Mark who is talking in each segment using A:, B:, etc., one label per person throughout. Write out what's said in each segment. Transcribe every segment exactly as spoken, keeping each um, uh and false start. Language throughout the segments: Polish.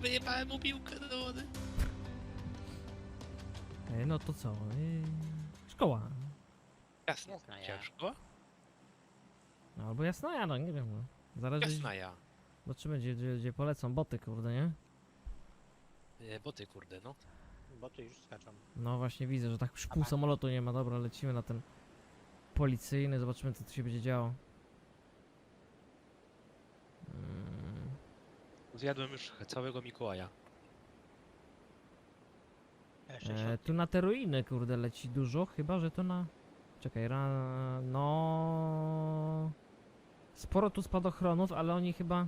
A: wyjebałem mu piłkę do wody.
B: Ej, no to co? Ej, szkoła.
A: Jasna,
C: Jasna ja.
A: ciężko?
B: No, albo jasna ja, no nie wiem. No. Zależy,
A: Jasna ja.
B: zobaczymy gdzie, gdzie, gdzie polecą boty, kurde, nie?
A: E, Boty kurde, no.
C: Bo tu już skaczą.
B: No właśnie widzę, że tak już pół
C: Aha.
B: samolotu nie ma. Dobra, lecimy na ten policyjny, zobaczymy co tu się będzie działo. Mm,
A: Zjadłem już całego Mikołaja.
C: Jeszcze
B: e,
C: środki.
B: tu na te ruiny, kurde, leci dużo, chyba że to na... Czekaj, ra... no... Sporo tu spadochronów, ale oni chyba...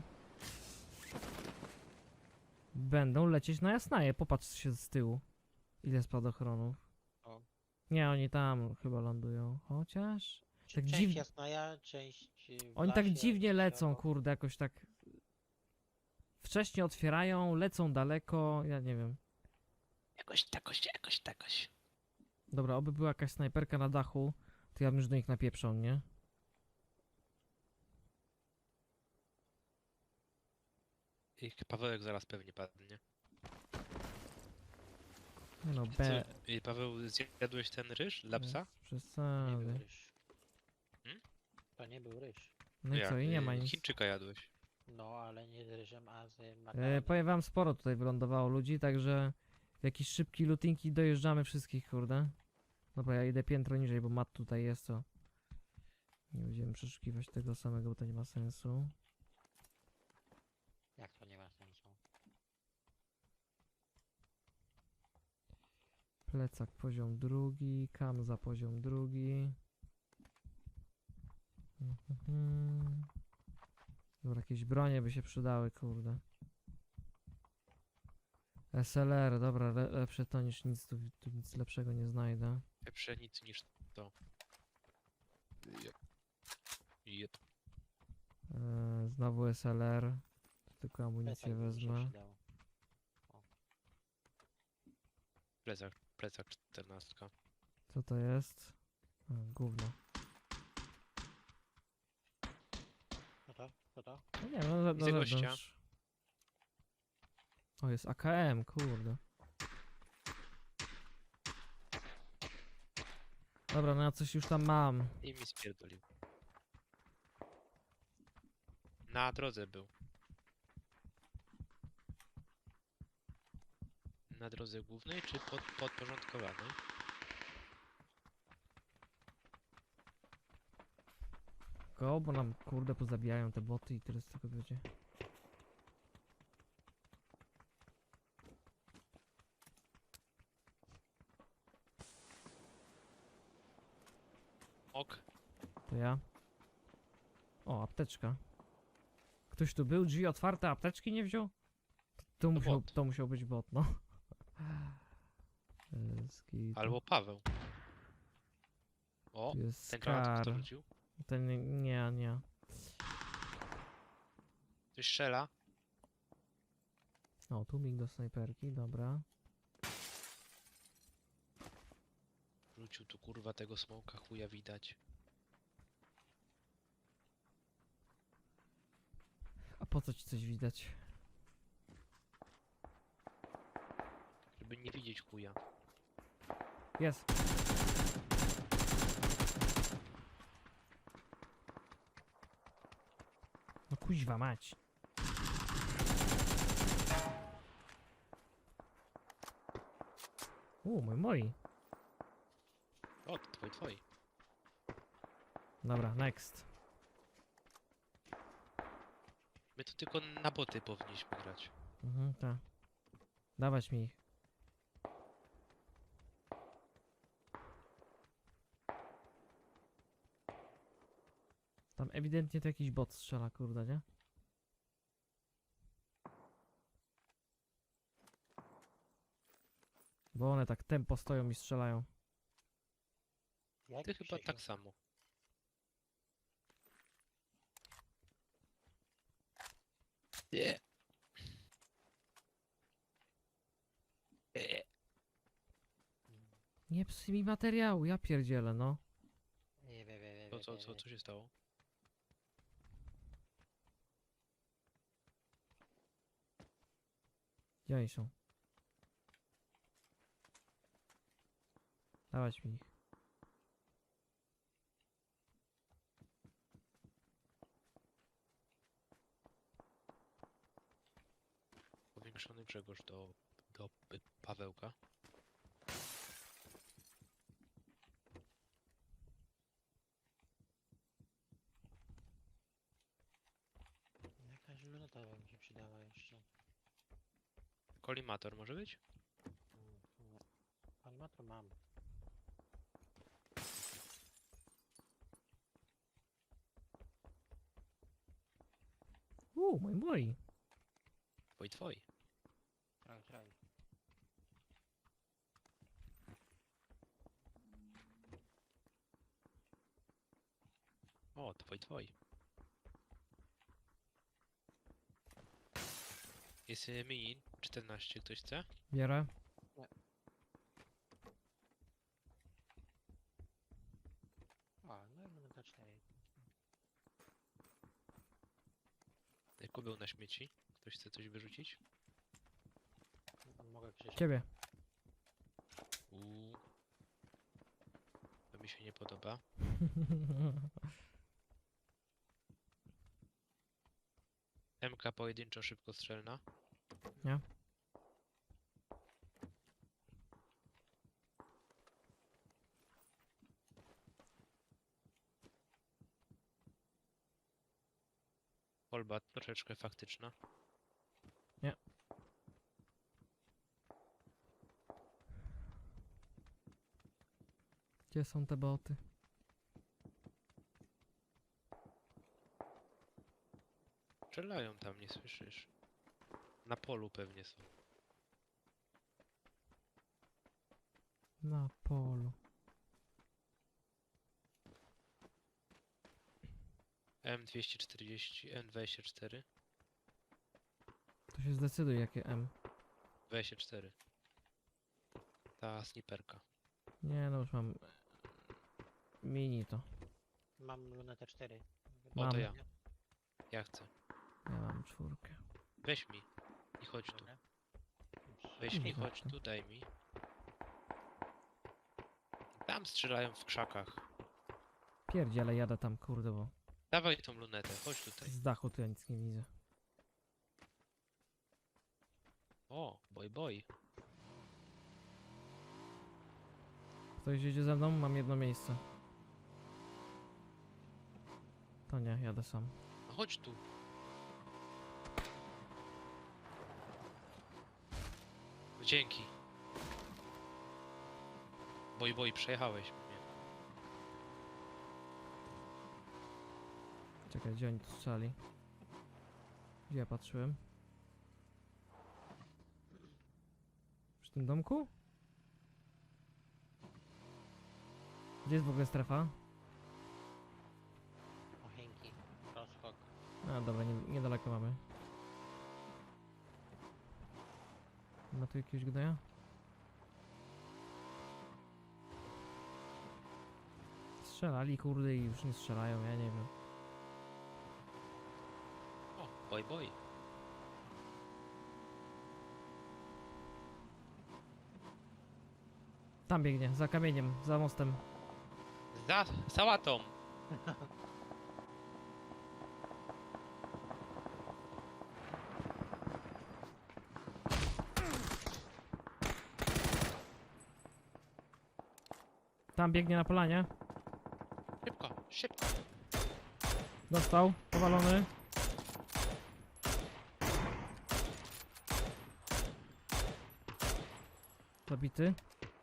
B: Będą lecieć na Jasnaje, popatrz się z tyłu. Ile spadochronów.
C: O.
B: Nie, oni tam chyba lądują, chociaż...
C: Czy
B: tak
C: część
B: dziw-
C: jasna ja, część w
B: Oni tak
C: lasie,
B: dziwnie
C: coś
B: lecą,
C: obok.
B: kurde, jakoś tak... Wcześnie otwierają, lecą daleko, ja nie wiem.
A: Jakoś takoś, jakoś takoś.
B: Dobra, oby była jakaś snajperka na dachu, to ja bym już do nich napieprzał, nie?
A: I Pawełek zaraz pewnie padnie.
B: Nie no,
A: Co,
B: B...
A: y, Paweł, zjadłeś ten ryż dla psa?
B: Bez
C: To nie był
B: przesady.
C: ryż.
A: Hmm?
C: To nie był ryż.
B: No i co, i nie ma
A: y,
B: nic.
A: Chińczyka jadłeś.
C: No, ale nie z ryżem, a z
B: E,
C: makaronem.
B: powiem wam, sporo tutaj wylądowało ludzi, także... Jakieś szybki lootingi dojeżdżamy wszystkich, kurde. Dobra, ja idę piętro niżej, bo mat tutaj jest, to... Nie będziemy przeszukiwać tego samego, bo to nie ma sensu.
C: Jak to nie ma sensu?
B: Plecak poziom drugi, kamza poziom drugi. Mhm. Dobra, jakieś bronie by się przydały, kurde. S L R, dobra, le lepsze to niż nic, tu, tu nic lepszego nie znajdę.
A: Lepsze nic niż to. Jep. Jep.
B: E, znowu S L R, tylko amunicję
C: Plecak by mi się
B: wezmę.
C: przydało.
A: Plecak, plecak czternastka.
B: Co to jest? A, gówno.
C: Co to? Co to?
B: No nie, no, na,
A: Widzę
B: na
A: gościa.
B: zewnątrz. O, jest A K M, kurde. Dobra, no ja coś już tam mam.
A: I mi spierdolił. Na drodze był. Na drodze głównej czy pod, podporządkowanej?
B: Go, bo nam kurde pozabijają te boty i tyle z tego będzie.
A: Ok.
B: To ja. O, apteczka. Ktoś tu był? Drzwi otwarte, apteczki nie wziął? To, to, musiał,
A: bot.
B: to musiał być bot, no. Ski,
A: Albo Paweł. O,
B: tu jest
A: ten granat kto
B: Scar.
A: rzucił?
B: Ten nie, nie.
A: Ktoś strzela.
B: O, tu mig do snajperki, dobra.
A: Rzucił tu kurwa tego smoka, chuja widać.
B: A po co ci coś widać?
A: Żeby nie widzieć chuja.
B: Jest. No kuźwa mać. U, mój moi.
A: O, to twoi, twoi.
B: Dobra, next.
A: My tu tylko na boty powinniśmy grać.
B: Mhm, tak. Dawać mi ich. Tam ewidentnie to jakiś bot strzela, kurde, nie? Bo one tak tempo stoją i strzelają.
C: Jak
A: Ty chyba
C: Krzysiu?
A: tak samo. Nie. Nie.
B: Nie psuj mi materiału, ja pierdzielę, no.
C: Nie, wie, wie, wie,
A: Co,
C: wie,
A: co,
C: wie,
A: co,
C: wie.
A: co się stało?
B: Gdzie oni są? Dawać mi ich.
A: Powiększony Grzegorz do, do y, Pawełka.
C: Jakaś luneta by mi się przydała jeszcze.
A: Kolimator może być?
C: Mm, nie. Animator mam.
B: Uuu, mój mój.
A: Twoi twoi.
C: Traj, traj.
A: O, twoi twoi. Jest y, mini czternaście, ktoś chce?
B: Biorę.
C: O, no i luneta cztery.
A: Y, Kubeł na śmieci. Ktoś chce coś wyrzucić?
C: Mogę Krzysiek.
B: Ciebie.
A: Uuu. To mi się nie podoba. M K pojedynczo szybkostrzelna.
B: Nie?
A: Kolba troszeczkę faktyczna.
B: Gdzie są te boty?
A: Strzelają tam, nie słyszysz? Na polu pewnie są.
B: Na polu.
A: M dwieście czterdzieści, M dwadzieścia cztery.
B: To się zdecyduj jakie M.
A: dwadzieścia cztery. Ta sniperka.
B: Nie no już mam mini to.
C: Mam lunetę cztery.
A: O, to
B: Mam.
A: ja. Ja chcę.
B: Ja mam czwórkę.
A: Weź mi. I chodź tu.
C: Dobra.
A: Weź mi,
B: Dobra.
A: chodź tu, daj mi. Tam strzelają w krzakach.
B: Pierdziele jadę tam kurde, bo
A: Dawaj tą lunetę, chodź tutaj.
B: z dachu to ja nic nie widzę.
A: O, boj boj.
B: Ktoś jedzie ze mną? Mam jedno miejsce. To nie, jadę sam.
A: No chodź tu. Dzięki. Boj boj, przejechałeś mnie.
B: Czekaj, gdzie oni tu strzeli? Gdzie ja patrzyłem? Przy tym domku? Gdzie jest w ogóle strefa?
C: Ochenki. Rozskok.
B: A dobra, nie, niedaleko mamy. Ma tu jakiegoś gnoja? Strzelali kurde i już nie strzelają, ja nie wiem.
A: O, boj boj.
B: Tam biegnie, za kamieniem, za mostem.
A: Za sałatą.
B: Tam biegnie na polanie.
A: Szybko, szybko.
B: Dostał, powalony. Zabity.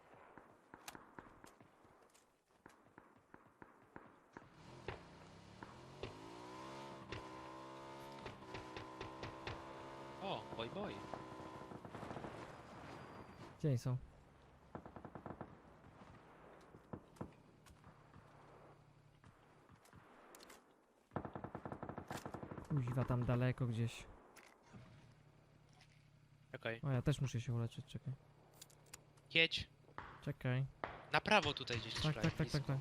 A: O, boj boj.
B: Gdzie oni są? Kuźwa, tam daleko gdzieś.
A: Czekaj.
B: O, ja też muszę się uleczyć, czekaj.
A: Jedź.
B: Czekaj.
A: Na prawo tutaj gdzieś
B: Tak,
A: strzelają.
B: tak, tak,
A: blisko.
B: tak, tak.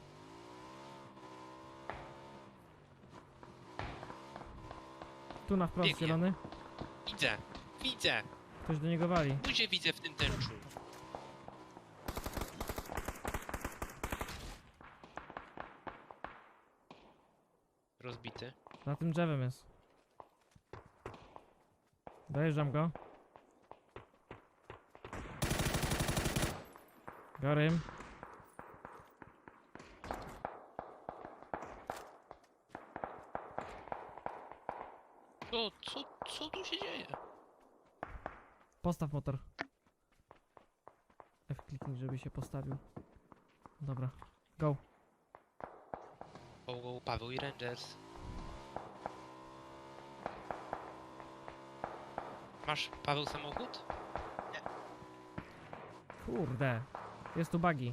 B: Tu na wprost
A: Biegnie.
B: zielony.
A: Widzę, widzę.
B: Ktoś do niego wali.
A: Buzię widzę w tym tęczu. Rozbity.
B: Za tym drzewem jest. Dojeżdżam go. Gorym.
A: Co, co, co tu się dzieje?
B: Postaw motor. F kliknij, żeby się postawił. Dobra. Go.
A: O, o, Paweł i Rangers. Masz, Paweł, samochód?
B: Kurde. Jest tu buggy.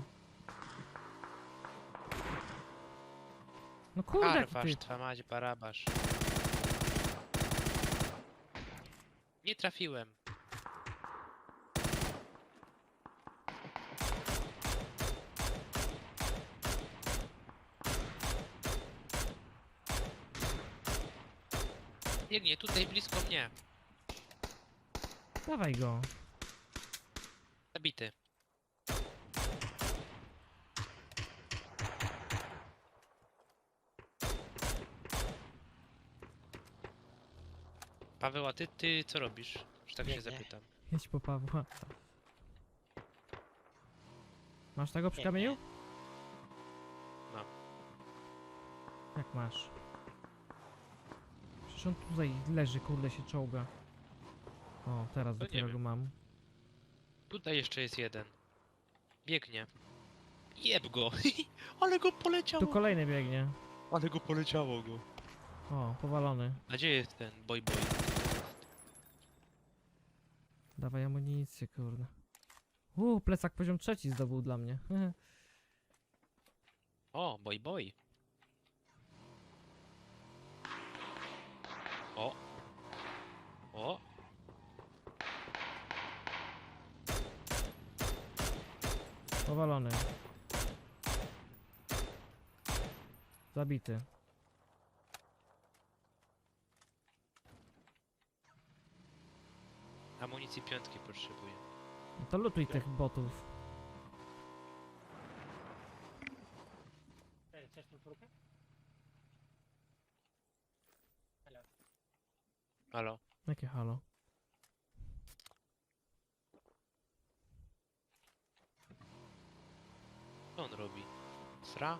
B: No kurde, jaki
A: Karwasz,
B: ty.
A: twa mać, barabasz. Nie trafiłem. Biegnie tutaj blisko mnie.
B: Dawaj go.
A: Zabity. Paweł, a ty, ty co robisz? Że tak się
C: Biegnę.
A: zapytam.
B: Jedź po Pawła. Masz tego przy
C: Nie,
B: kamieniu?
A: Mam.
B: Jak masz? Przecież on tutaj leży, kurde się czołga. O, teraz
A: To nie
B: dopiero
A: wiem.
B: go mam.
A: Tutaj jeszcze jest jeden. Biegnie. Jeb go! Ale go poleciało!
B: Tu kolejny biegnie.
A: Ale go poleciało go.
B: O, powalony.
A: A gdzie jest ten boy boy?
B: Dawaj amunicję, kurde. Uuu, plecak poziom trzeci zdobył dla mnie.
A: O, boy boy. O. O.
B: Powalony. Zabity.
A: Amunicji piątki potrzebuję.
B: No to lutuj tych botów.
C: Chcesz tą czwórkę?
A: Halo?
B: Jakie halo?
A: Co on robi? Sra?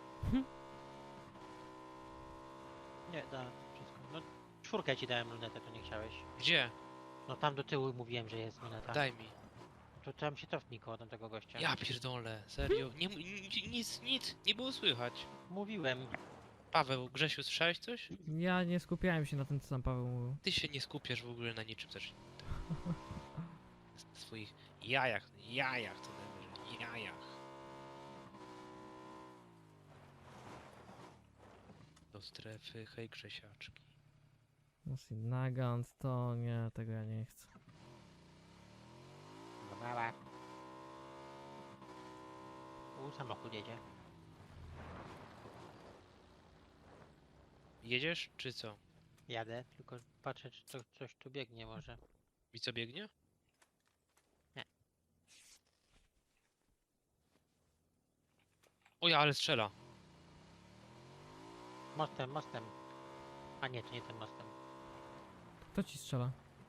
C: Nie, da, wszystko. No, czwórkę ci dałem lunetę, to nie chciałeś.
A: Gdzie?
C: No tam do tyłu mówiłem, że jest luneta.
A: Daj mi.
C: To tam się cofnij koło tamtego gościa.
A: Ja pierdolę, serio. Nie, m- ni- nic, nic, nie było słychać.
C: Mówiłem.
A: Paweł, Grzesiu, słyszałeś coś?
B: Ja nie skupiałem się na tym, co tam Paweł mówił.
A: Ty się nie skupiasz w ogóle na niczym też. Na swoich jajach, jajach to najwyżej, jajach. Do strefy, hej Grzesiaczki.
B: Musi Nagant, to nie, tego ja nie chcę.
C: Mała. U, samochód jedzie.
A: Jedziesz, czy co?
C: Jadę, tylko patrzę, czy to, coś tu biegnie może.
A: I co biegnie?
C: Nie.
A: O ja, ale strzela.
C: Mostem, mostem. A nie, to nie tym mostem.
B: Kto ci strzela?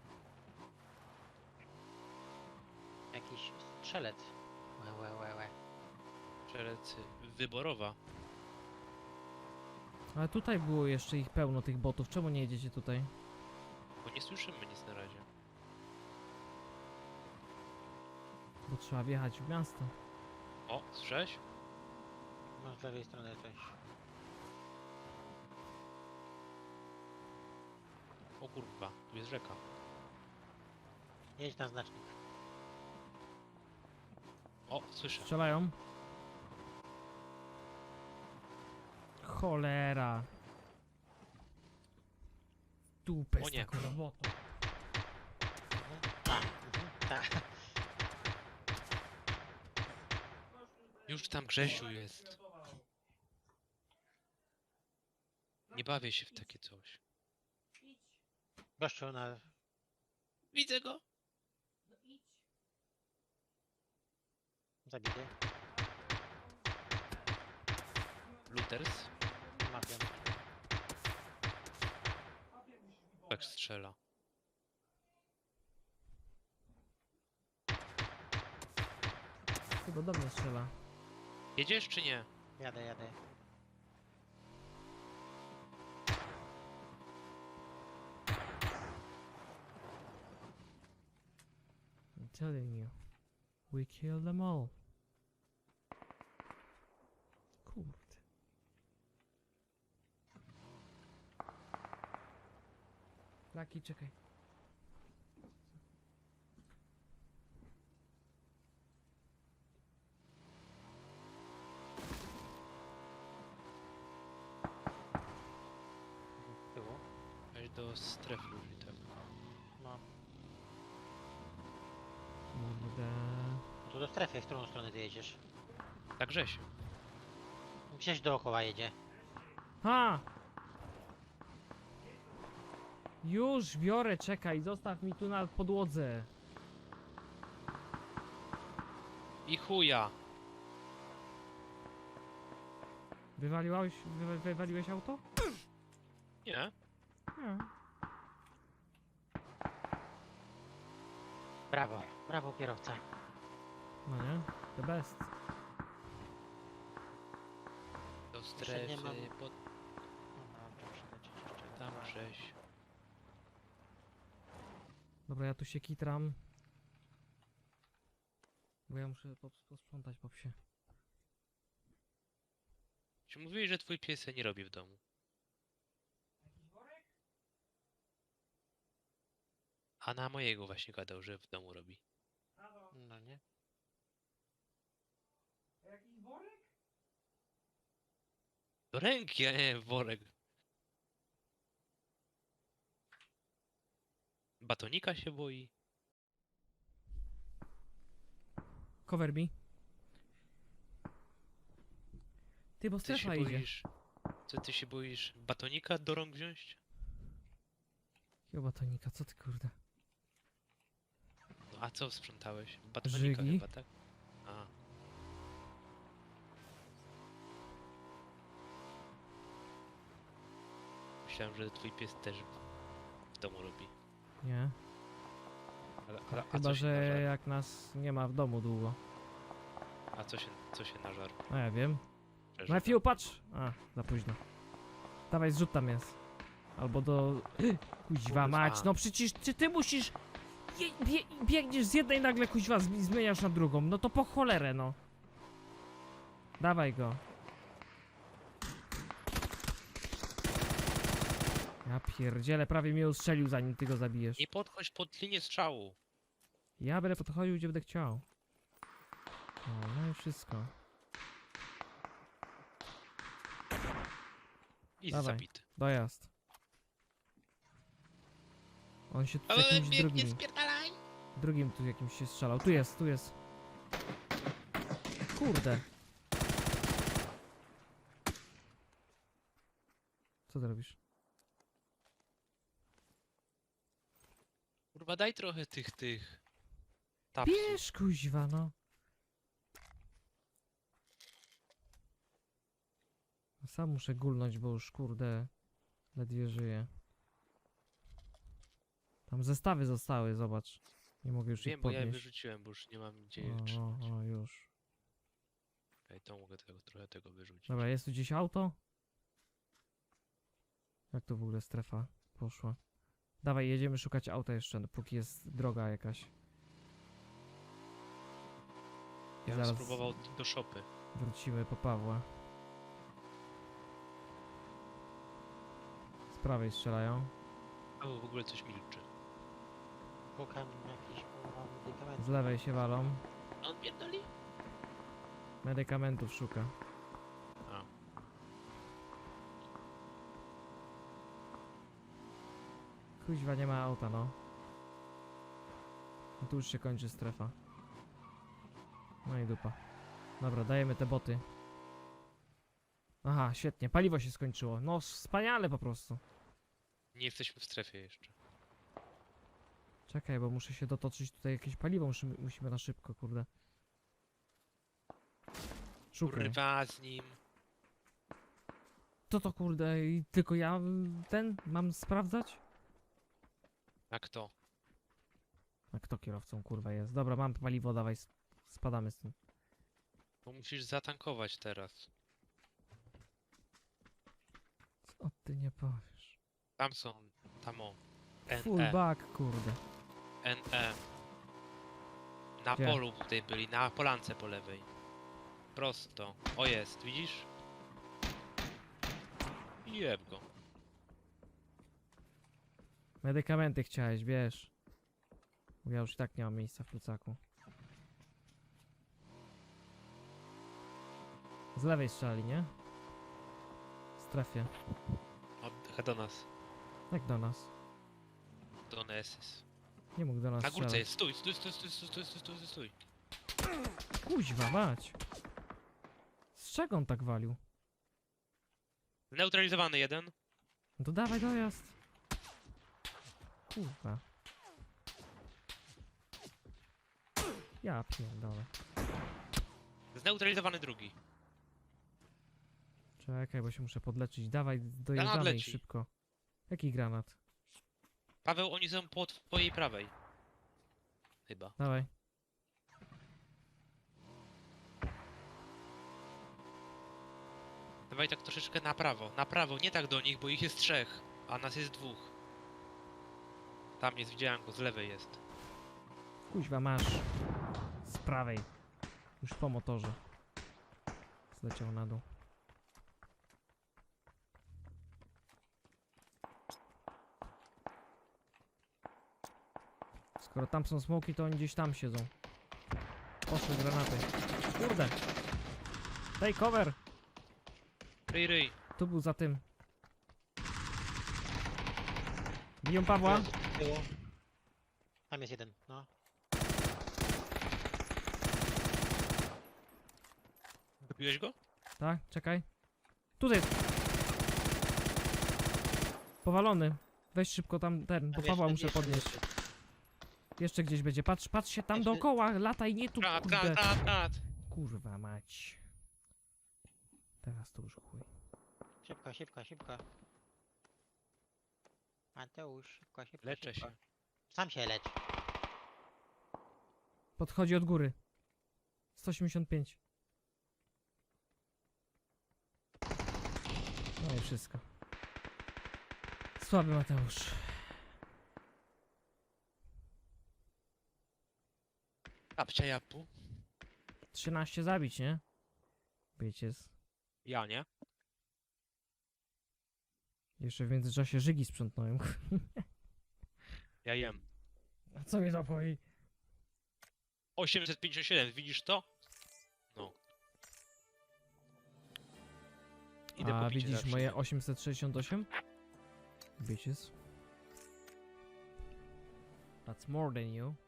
C: Jakiś strzelec. Łe, łe, łe, łe.
A: Strzelec wyborowa.
B: Ale tutaj było jeszcze ich pełno, tych botów. Czemu nie jedziecie tutaj?
A: Bo nie słyszymy nic na razie.
B: Bo trzeba wjechać w miasto.
A: O, słyszałeś?
C: No z lewej strony coś.
A: O kurwa, tu jest rzeka.
C: Jedź na znacznik.
A: O, słyszę.
B: Strzelają. Cholera. Dupę
A: O
B: z
A: nie.
B: taką robotą.
C: A, mhm, tak.
A: Już tam Grzesiu jest. Nie bawię się w takie coś.
C: Gościu na...
A: Widzę go.
C: Zabity.
A: Looters?
C: Mafian.
A: Tak strzela.
B: Chyba do mnie strzela.
A: Jedziesz czy nie?
C: Jadę, jadę.
B: I'm telling you. We killed them all. Kurde. Laki, czekaj.
C: Z tyłu.
A: Weź do strefy już i tak.
C: No.
B: Kurde.
C: No tu do strefy, w którą stronę ty jedziesz?
A: Tak Grzesiu.
C: Gdzieś dookoła jedzie.
B: Ha! Już biorę, czekaj, zostaw mi tu na podłodze.
A: I chuja!
B: Wywaliłeś, wy, wywaliłeś auto?
A: Nie?
B: Nie.
C: Brawo, brawo kierowca.
B: No nie? The best.
A: Do
C: Jeszcze
A: strefy,
C: nie mam-
A: pod
C: Dobra, muszę przylecieć jeszcze.
A: tam
C: Dobra.
A: Grześ.
B: Dobra, ja tu się kitram. Bo ja muszę pos- posprzątać po psie.
A: Czy mówiłeś, że twój pies nie robi w domu? A na mojego właśnie gadał, że w domu robi.
C: No nie?
A: Do ręki, a nie w worek. Batonika się boi.
B: Cover me. Ty, bo
A: Ty się
B: strefa idzie.
A: boisz... Co ty się boisz? Batonika do rąk wziąć?
B: Chyba tonika, co ty kurde?
A: No a co sprzątałeś? Batonika
B: Żygi.
A: chyba, tak? A. Myślałem, że twój pies też w domu robi.
B: Nie.
A: Ale, ale, a,
B: Chyba,
A: co się
B: że
A: nażarł?
B: jak nas nie ma w domu długo.
A: a co się, co się nażarł?
B: No ja wiem.
A: Przeżył.
B: Matthew, patrz! A, za późno. Dawaj, zrzut tam jest. Albo do... Kuźwa
A: Kurwa.
B: mać, no przecież czy ty musisz... Je, bie, biegniesz z jednej nagle kuźwa zmi- zmieniasz na drugą. No to po cholerę, no. Dawaj go. Ja pierdzielę, prawie mnie ustrzelił zanim ty go zabijesz.
A: Nie podchodź pod linię strzału.
B: Ja będę podchodził gdzie będę chciał. O, no i wszystko.
A: I
B: Dawaj.
A: zabity.
B: Dojazd. On się tu z
A: Ale
B: jakimś
A: biegnie,
B: drugim...
A: spierdalaj!
B: Drugim tu jakimś się strzelał. Tu jest, tu jest. Kurde. Co ty robisz?
A: Kurwa, daj trochę tych, tych... tapsów.
B: Bierz kuźwa, no. Sam muszę gulnąć, bo już kurde ledwie żyję. Tam zestawy zostały, zobacz. Nie mogę już
A: Wiem,
B: ich
A: bo ja je
B: podnieść.
A: wyrzuciłem, bo już nie mam gdzie je
B: O,
A: trzymać.
B: o, o, już.
A: Okej, to mogę tego, trochę tego wyrzucić.
B: Dobra, jest tu gdzieś auto? Jak to w ogóle strefa poszła? Dawaj, jedziemy szukać auta jeszcze, póki jest droga jakaś.
A: Ja bym
B: zaraz-
A: spróbował d- do szopy.
B: Wrócimy po Pawła. Z prawej strzelają.
A: A w ogóle coś milczy.
C: Szukam jakichś kurwa medykamentów.
B: Z lewej się walą.
A: A on pierdoli?
B: Medykamentów szuka.
A: A.
B: Kuźwa, nie ma auta, no. No tu już się kończy strefa. No i dupa. Dobra, dajemy te boty. Aha, świetnie, paliwo się skończyło. No, wspaniale po prostu.
A: Nie jesteśmy w strefie jeszcze.
B: Czekaj, bo muszę się dotoczyć tutaj jakieś paliwo, musimy, musimy na szybko, kurde. Szukaj.
A: Kurwa z nim.
B: To to kurde, i tylko ja y, ten mam sprawdzać?
A: Jak to?
B: A kto kierowcą kurwa jest? Dobra, mam paliwo, dawaj, s- spadamy z tym.
A: Bo musisz zatankować teraz.
B: Co ty nie powiesz?
A: Tam są, tam o.
B: Full
A: N E,
B: back, kurde.
A: N E. Na
B: Gdzie?
A: polu tutaj byli, na polance po lewej. Prosto. O jest, widzisz? Jeb go.
B: Medykamenty chciałeś, wiesz. Bo ja już i tak nie mam miejsca w plecaku. Z lewej strzeli, nie? W strefie.
A: O, do nas.
B: Jak do nas?
A: Do nas.
B: Nie mógł do nas
A: Na górce
B: strzelać.
A: jest, stój, stój, stój, stój, stój, stój, stój, stój, stój.
B: Kuźwa, mać. Z czego on tak walił?
A: Zneutralizowany jeden.
B: No to dawaj dojazd. Kurwa. Ja pierdolę.
A: Zneutralizowany drugi.
B: Czekaj, bo się muszę podleczyć. Dawaj, dojeżdżamy i
A: leci.
B: szybko. Jaki granat?
A: Paweł, oni są po twojej prawej. Chyba.
B: Dawaj.
A: Dawaj tak troszeczkę na prawo. Na prawo, nie tak do nich, bo ich jest trzech, a nas jest dwóch. Tam jest, widziałem go, z lewej jest.
B: Kuźwa, masz. Z prawej. Już po motorze. Zleciał na dół. Skoro tam są smoki, to oni gdzieś tam siedzą. Poszły granaty. Kurde. Daj cover.
A: Ryj, ryj.
B: Tu był za tym. Biją Pawła.
C: Z tyłu. Tam jest jeden, no.
A: Wypiłeś go?
B: Tak, czekaj. Tutaj jest. Powalony. Weź szybko tam ten, bo
C: Tam
B: Pawła
C: jeszcze-
B: muszę
C: jeszcze-
B: podnieść.
C: jeszcze.
B: Jeszcze gdzieś będzie. Patrz, patrz się tam
C: Jeszcze-
B: dookoła, lataj, nie tu,
A: Granat,
B: kurde.
A: granat, granat, granat.
B: Kurwa mać. Teraz to już chuj.
C: Szybko, szybko, szybko. Mateusz, szybko, szybko,
A: Leczę
C: szybko.
A: się.
C: Sam się lecz.
B: Podchodzi od góry. sto osiemdziesiąt pięć. No i wszystko. Słaby Mateusz.
A: Kapcia japu.
B: trzynaście zabić, nie? Wiecie, z...
A: Ja nie.
B: jeszcze w międzyczasie żygi sprzątnąłem.
A: Ja jem.
B: A co mnie zapoi?
A: osiemset pięćdziesiąt siedem, widzisz to? No. Idę
B: A
A: po picie
B: widzisz
A: zawsze.
B: moje osiemset sześćdziesiąt osiem? Bitches. That's more than you.